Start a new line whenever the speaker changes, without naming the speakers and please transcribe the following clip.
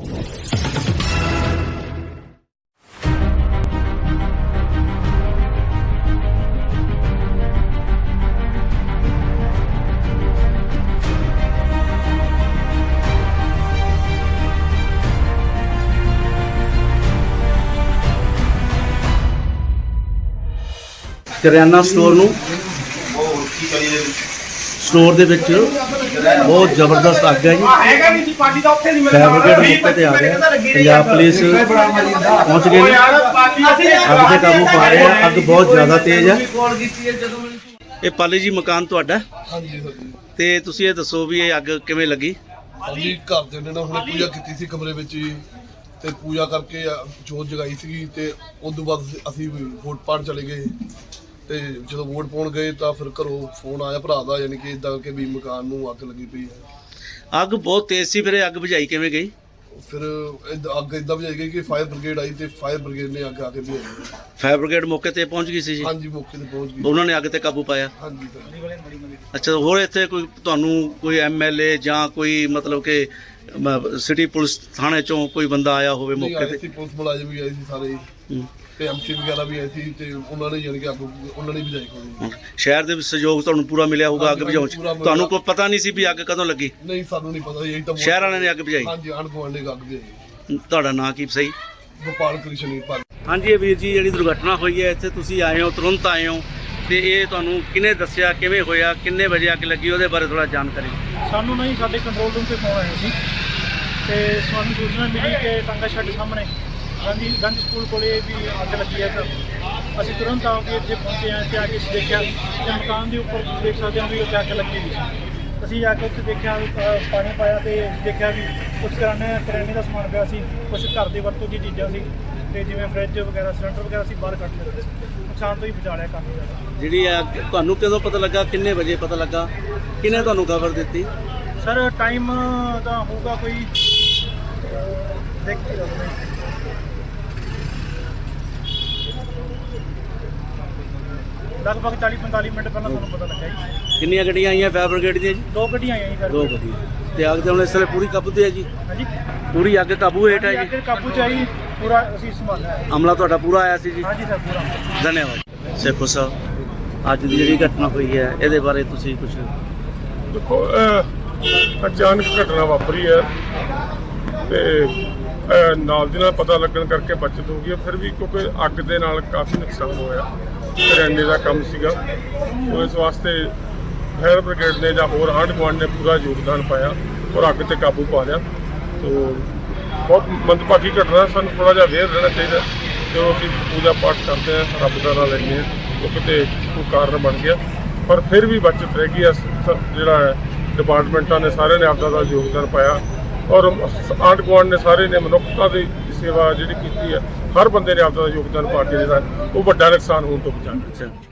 ਕਰਿਆਨਾ store ਨੂੰ store ਦੇ ਵਿੱਚ ਬਹੁਤ ਜ਼ਬਰਦस्त ਅੱਗ ਹੈ ਜੀ। ਫਾਇਰ ਬ੍ਰਿਗੇਡ ਮੌਕੇ ਤੇ ਆ ਗਿਆ, ਪੰਜਾਬ ਪੁਲਿਸ ਪਹੁੰਚ ਗਏ ਨੇ, ਅੱਗ ਤੇ ਕਾਬੂ ਪਾ ਰਹੇ ਆ। ਅੱਗ ਬਹੁਤ ਜ਼ਿਆਦਾ ਤੇਜ਼ ਹੈ। ਇਹ ਪਾਲੀ ਜੀ ਮਕਾਨ ਤੁਹਾਡਾ?
ਹਾਂਜੀ ਸਰ ਜੀ।
ਤੇ ਤੁਸੀਂ ਇਹ ਦੱਸੋ ਵੀ ਇਹ ਅੱਗ ਕਿਵੇਂ ਲੱਗੀ?
ਹਾਂਜੀ, ਘਰ ਦੇ ਨੇ ਨਾ ਹੁਣੇ ਪੂਜਾ ਕੀਤੀ ਸੀ ਕਮਰੇ ਵਿੱਚ ਹੀ, ਤੇ ਪੂਜਾ ਕਰਕੇ ਜੋਤ ਜਗਾਈ ਸੀਗੀ, ਤੇ ਉਸ ਤੋਂ ਬਾਅਦ ਅਸੀਂ ਵੋਟ ਪਾਉਣ ਚਲੇ ਗਏ। ਤੇ ਜਦੋਂ ਵੋਟ ਪਾਉਣ ਗਏ ਤਾਂ ਫਿਰ ਘਰੋਂ ਫੋਨ ਆਇਆ ਭਰਾ ਦਾ, ਯਾਨੀ ਕਿ ਇਦਾਂ ਕਿ ਵੀ ਮਕਾਨ ਨੂੰ ਅੱਗ ਲੱਗੀ ਪਈ ਹੈ।
ਅੱਗ ਬਹੁਤ ਤੇਜ਼ ਸੀ, ਫਿਰ ਇਹ ਅੱਗ ਬੁਝਾਈ ਕਿਵੇਂ ਗਈ?
ਫਿਰ ਅੱਗ ਇਦਾਂ ਬੁਝਾਈ ਗਈ ਕਿ ਫਾਇਰ ਬ੍ਰਿਗੇਡ ਆਈ, ਤੇ ਫਾਇਰ ਬ੍ਰਿਗੇਡ ਨੇ ਅੱਗ ਆ ਕੇ ਬੁਝਾਈ।
ਫਾਇਰ ਬ੍ਰਿਗੇਡ ਮੌਕੇ ਤੇ ਪਹੁੰਚ ਗਈ ਸੀ ਜੀ?
ਹਾਂਜੀ, ਮੌਕੇ ਤੇ ਪਹੁੰਚ ਗਈ।
ਉਹਨਾਂ ਨੇ ਅੱਗ ਤੇ ਕਾਬੂ ਪਾਇਆ?
ਹਾਂਜੀ ਸਰ।
ਅੱਛਾ, ਹੋਰ ਇੱਥੇ ਕੋਈ ਤੁਹਾਨੂੰ ਕੋਈ ਐਮਐਲਏ ਜਾਂ ਕੋਈ ਮਤਲਬ ਕਿ ਸਿਟੀ ਪੁਲਿਸ ਥਾਣੇ ਚੋਂ ਕੋਈ ਬੰਦਾ ਆਇਆ ਹੋਵੇ ਮੌਕੇ ਤੇ?
ਪੁਲਿਸ ਮੁਲਾਜ਼ਮ ਵੀ ਆਏ ਸੀ ਸਾਰੇ, ਤੇ ਐਮਸੀ ਵਗੈਰਾ ਵੀ ਆਏ ਸੀ, ਤੇ ਉਹਨਾਂ ਨੇ ਯਾਨੀ ਕਿ ਅੱਗ ਉਹਨਾਂ ਨੇ ਬੁਝਾਈ ਕੋਈ।
ਸ਼ਹਿਰ ਦੇ ਵਿੱਚ ਸਹਿਯੋਗ ਤੁਹਾਨੂੰ ਪੂਰਾ ਮਿਲਿਆ ਹੋਊਗਾ ਅੱਗ ਬੁਝਾਉਣ 'ਚ? ਤੁਹਾਨੂੰ ਕੋਈ ਪਤਾ ਨਹੀਂ ਸੀ ਵੀ ਅੱਗ ਕਦੋਂ ਲੱਗੀ?
ਨਹੀਂ, ਸਾਨੂੰ ਨਹੀਂ ਪਤਾ, ਇਹੀ ਤਾਂ
ਸ਼ਹਿਰ ਵਾਲਿਆਂ ਨੇ ਅੱਗ ਬੁਝਾਈ?
ਹਾਂਜੀ, ਆਂਢ ਗੁਆਂਢ ਨੇ ਅੱਗ ਬੁਝਾਈ।
ਤੁਹਾਡਾ ਨਾਂ ਕੀ ਸਹੀ?
ਗੋਪਾਲ ਕ੍ਰਿਸ਼ਨ ਪਾਲ।
ਹਾਂਜੀ, ਇਹ ਵੀਰ ਜੀ ਜਿਹੜੀ ਦੁਰਘਟਨਾ ਹੋਈ ਹੈ ਇੱਥੇ ਤੁਸੀਂ ਆਏ ਹੋ, ਤੁਰੰਤ ਆਏ ਹੋ, ਤੇ ਇਹ ਤੁਹਾਨੂੰ ਕਿਹਨੇ ਦੱਸਿਆ, ਕਿਵੇਂ ਹੋਇਆ, ਕਿੰਨੇ ਵਜੇ ਅੱਗ ਲੱਗੀ, ਉਹਦੇ ਬਾਰੇ ਥੋੜਾ ਜਾਣਕਾਰੀ।
ਸਾਨੂੰ ਨਹੀਂ, ਸਾਡੇ ਕੰਟਰੋਲ ਰੂਮ ਤੇ ਫੋਨ ਆਇਆ ਸੀ, ਤੇ ਸਾਨੂੰ ਸੂਚਨਾ ਮਿਲੀ ਕਿ ਟਾਂਗਾ ਛੱਡ ਸਾਹਮਣੇ ਗੰਜ ਸਕੂਲ ਕੋਲੇ ਵੀ ਅੱਗ ਲੱਗੀ ਹੈ। ਤਾਂ ਅਸੀਂ ਤੁਰੰਤ ਆ ਕੇ ਇੱਥੇ ਪਹੁੰਚੇ ਹਾਂ, ਤੇ ਆ ਕੇ ਅਸੀਂ ਦੇਖਿਆ ਕਿ ਮਕਾਨ ਦੇ ਉੱਪਰ ਦੇਖ ਸਕਦੇ ਹਾਂ ਵੀ ਉੱਥੇ ਅੱਗ ਲੱਗੀ ਹੋਈ ਸੀ। ਅਸੀਂ ਆ ਕੇ ਉੱਥੇ ਦੇਖਿਆ, ਪਾਣੀ ਪਾਇਆ, ਤੇ ਦੇਖਿਆ ਵੀ ਕੁਛ ਕਰਿਆਨੇ ਦਾ ਸਮਾਨ ਪਿਆ ਸੀ, ਕੁਛ ਘਰ ਦੇ ਵਰਤੋਂ ਦੀ ਚੀਜ਼ਾਂ ਸੀ, ਤੇ ਜਿਵੇਂ ਫਰਿੱਜ ਵਗੈਰਾ, ਸਿਲੰਡਰ ਵਗੈਰਾ ਅਸੀਂ ਬਾਹਰ ਕੱਢ ਲਏ। ਨੁਕਸਾਨ ਤੋਂ ਹੀ ਬਚਾ ਲਿਆ ਕਾਫੀ ਜ਼ਿਆਦਾ।
ਜਿਹੜੀ ਅੱਗ ਤੁਹਾਨੂੰ ਕਦੋਂ ਪਤਾ ਲੱਗਾ, ਕਿੰਨੇ ਵਜੇ ਪਤਾ ਲੱਗਾ, ਕਿਹਨੇ ਤੁਹਾਨੂੰ ਖਬਰ ਦਿੱਤੀ?
ਸਰ ਟਾਈਮ ਤਾਂ ਹੋਊਗਾ ਕੋਈ ਦੇਖ ਕੇ ਲਗਭਗ 40-45 ਮਿੰਟ ਪਹਿਲਾਂ ਸਾਨੂੰ ਪਤਾ ਲੱਗਾ ਜੀ।
ਕਿੰਨੀਆਂ ਗੱਡੀਆਂ ਆਈਆਂ ਫਾਇਰ ਬ੍ਰਿਗੇਡ ਦੀਆਂ ਜੀ?
2 ਗੱਡੀਆਂ ਆਈਆਂ ਜੀ।
2 ਗੱਡੀਆਂ। ਤੇ ਅੱਗ ਤੇ ਹੁਣ ਇਸ ਵੇਲੇ ਪੂਰੀ ਕਾਬੂ ਤੇ ਹੈ ਜੀ?
ਹਾਂਜੀ,
ਪੂਰੀ ਅੱਗ ਕਾਬੂ ਹੇਠ ਹੈ ਜੀ?
ਅੱਗ ਕਾਬੂ 'ਚ ਆਈ, ਪੂਰਾ ਅਸੀਂ ਸੰਭਾਲਿਆ ਹੈ।
ਅਮਲਾ ਤੁਹਾਡਾ ਪੂਰਾ ਆਇਆ ਸੀ ਜੀ?
ਹਾਂਜੀ ਸਰ, ਪੂਰਾ।
ਧੰਨਵਾਦ। ਸੇਖੋ ਸਾਹਿਬ, ਅੱਜ ਦੀ ਜਿਹੜੀ ਘਟਨਾ ਹੋਈ ਹੈ ਇਹਦੇ ਬਾਰੇ ਤੁਸੀਂ ਕੁਝ?
ਦੇਖੋ, ਅਚਾਨਕ ਘਟਨਾ ਵਾਪਰੀ ਹੈ, ਤੇ ਨਾਲ ਦੀ ਨਾਲ ਪਤਾ ਲੱਗਣ ਕਰਕੇ ਬਚਤ ਹੋ ਗਈ। ਫਿਰ ਵੀ ਕਿਉਂਕਿ ਅੱਗ ਦੇ ਨਾਲ ਕਾਫੀ ਨੁਕਸਾਨ ਹੋਇਆ, ਕਰਿਆਨੇ ਦਾ ਕੰਮ ਸੀਗਾ, ਸੋ ਇਸ ਵਾਸਤੇ ਫਾਇਰ ਬ੍ਰਿਗੇਡ ਨੇ ਜਾਂ ਹੋਰ ਆਂਢ ਗੁਆਂਢ ਨੇ ਪੂਰਾ ਯੋਗਦਾਨ ਪਾਇਆ ਔਰ ਅੱਗ ਤੇ ਕਾਬੂ ਪਾ ਲਿਆ। ਸੋ ਬਹੁਤ ਮੰਦਭਾਗੀ ਘਟਨਾ, ਸਾਨੂੰ ਥੋੜ੍ਹਾ ਜਿਹਾ ਅਵੇਅਰ ਰਹਿਣਾ ਚਾਹੀਦਾ। ਜਦੋਂ ਅਸੀਂ ਪੂਜਾ ਪਾਠ ਕਰਦੇ ਹਾਂ, ਰੱਬ ਦਾ ਨਾਂ ਲੈਂਦੇ ਹਾਂ, ਉਹ ਕਿਤੇ ਕੋਈ ਕਾਰਨ ਬਣ ਗਿਆ, ਪਰ ਫਿਰ ਵੀ ਬਚਤ ਰਹਿ ਗਈ। ਜਿਹੜਾ ਡਿਪਾਰਟਮੈਂਟਾਂ ਨੇ ਸਾਰਿਆਂ ਨੇ ਆਪਦਾ ਦਾ ਯੋਗਦਾਨ ਪਾਇਆ, ਔਰ ਆਂਢ ਗੁਆਂਢ ਨੇ ਸਾਰੇ ਨੇ ਮਨੁੱਖਤਾ ਦੀ ਸੇਵਾ ਜਿਹੜੀ ਕੀਤੀ ਹੈ, ਹਰ ਬੰਦੇ ਨੇ ਆਪਦਾ ਯੋਗਦਾਨ ਪਾ ਕੇ ਜਿਹੜਾ ਉਹ ਵੱਡਾ ਨੁਕਸਾਨ ਹੋਣ ਤੋਂ ਬਚਾਇਆ।